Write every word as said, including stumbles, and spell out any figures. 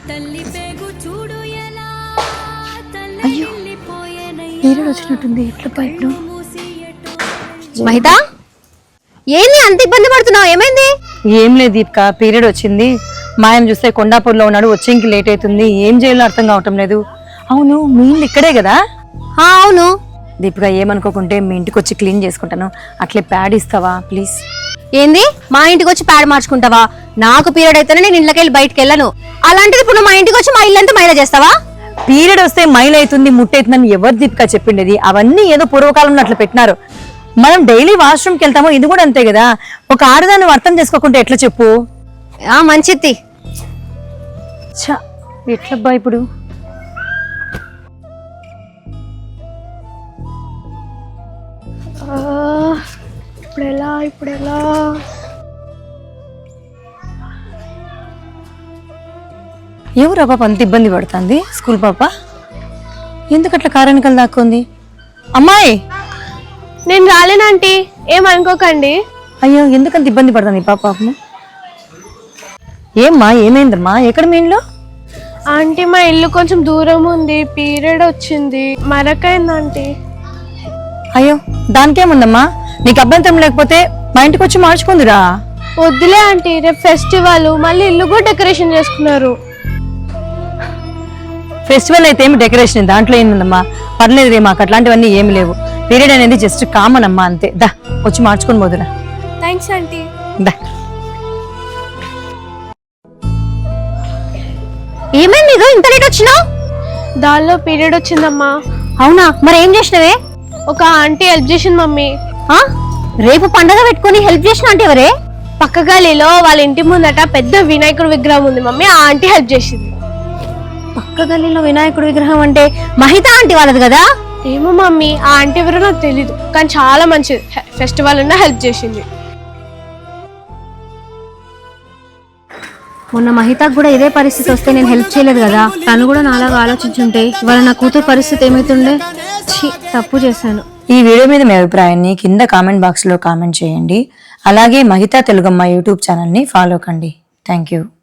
అయ్యో పీరియడ్ వచ్చినట్టుంది. ఎట్లా పైపు మహిత ఏంది అంత ఇబ్బంది పడుతున్నావు? ఏమైంది? ఏం లేదు దీపిక, పీరియడ్ వచ్చింది. మా ఆయన చూస్తే కొండాపూర్లో ఉన్నాడు, వచ్చేంకి లేట్ అవుతుంది. ఏం చేయాలో అర్థం కావటం లేదు. అవును మీ ఇల్లు ఇక్కడే కదా? అవును దీపిక, ఏమనుకోకుంటే మీ ఇంటికి వచ్చి క్లీన్ చేసుకుంటాను, అట్లే ప్యాడ్ ఇస్తావా ప్లీజ్? ఏంది మా ఇంటికి వచ్చి ప్యాడ్ మార్చుకుంటావా? నాకు పీరియడ్ అయితేనే నేను ఇళ్ళకి వెళ్ళి బయటకు వెళ్ళను. అలాంటిది ఇప్పుడు మా ఇంటికి వచ్చి మా ఇల్లంతా మైలా చేస్తావా? పీరియడ్ వస్తే మైల్ అవుతుంది, ముట్టవుతుందని ఎవరు దీపిక చెప్పిండేది? అవన్నీ ఏదో పూర్వకాలంలో అట్లా పెట్టినారు. మనం డైలీ వాష్రూమ్కి వెళ్తామో, ఇది కూడా అంతే కదా. ఒక ఆడదాన్ని అర్థం చేసుకోకుంటే ఎట్లా చెప్పు? ఆ మంచిది. ఛా, ఎట్లబ్బా ఇప్పుడు? ఇప్పుడు ఎలా ఇప్పుడు ఎలా ఎవరు ఆ పాప అంత ఇబ్బంది పడుతుంది? స్కూల్ పాప ఎందుకట్లా కారణికలు దాక్కుంది? అమ్మాయి నేను రాలేనంటీ, ఏమనుకోకండి. అయ్యో ఎందుకంత ఇబ్బంది పడుతుంది ఈ పాప? ఏమ్మా ఏమైందమ్మా? ఎక్కడ మీ ఇల్లు? ఆంటీ మా ఇల్లు కొంచెం దూరం ఉంది, పీరియడ్ వచ్చింది, మరకైంది ఆంటీ. అయ్యో దానికేముందమ్మా, నీకు అభ్యంతరం లేకపోతే మా ఇంటికి వచ్చి మార్చుకుందిరా. వద్దులే ఆంటీ, రేపు ఫెస్టివల్, మళ్ళీ ఇల్లు కూడా డెకరేషన్ చేసుకున్నారు. ఫెస్టివల్ అయితే ఏమి డెకరేషన్, దాంట్లో ఏముందమ్మా? పర్లేదు రే, మాకు అట్లాంటివన్నీ ఏమి లేవు. పీరియడ్ అనేది జస్ట్ కామన్ అమ్మా, అంతే. దా వచ్చి మార్చుకొని పోదురా. Thanks aunty. దా. ఏమైంది నీకు ఇంత లేట్ వచ్చినావు? దానిలో పీరియడ్ వచ్చిందమ్మా. అవునా, మరి ఏం చేసినవే? ఒక ఆంటీ హెల్ప్ చేసింది మమ్మీ. ఆ రేపు పండగ పెట్టుకుని హెల్ప్ చేసిన అంటే ఎవరే? పక్క గలీలో వాళ్ళ ఇంటి ముందట పెద్ద వినాయకుడు విగ్రహం ఉంది మమ్మీ, ఆ ఆంటీ హెల్ప్ చేసింది. పక్క గల్లీలో వినాయకుడు విగ్రహం అంటే మహిత ఆంటీ వాళ్ళది కదా? ఏమో మమ్మీ, ఆ ఆంటీ ఎవరో నాకు తెలీదు, కానీ చాలా మంచిది. ఫెస్టివల్ ఉన్నా హెల్ప్ చేసింది. మొన్న మహితకు కూడా ఇదే పరిస్థితి వస్తే నేను హెల్ప్ చేయలేదు కదా. తను కూడా నాలాగా ఆలోచించుంటే ఇవాళ నా కూతురు పరిస్థితి ఏమైతుండే. ఛీ, తప్పు చేశాను. ఈ వీడియో మీద మీ అభిప్రాయాన్ని కింద కామెంట్ బాక్స్ లో కామెంట్ చేయండి. అలాగే మహిత తెలుగమ్మ యూట్యూబ్ ఛానల్ ని ఫాలో కండి. Thank you.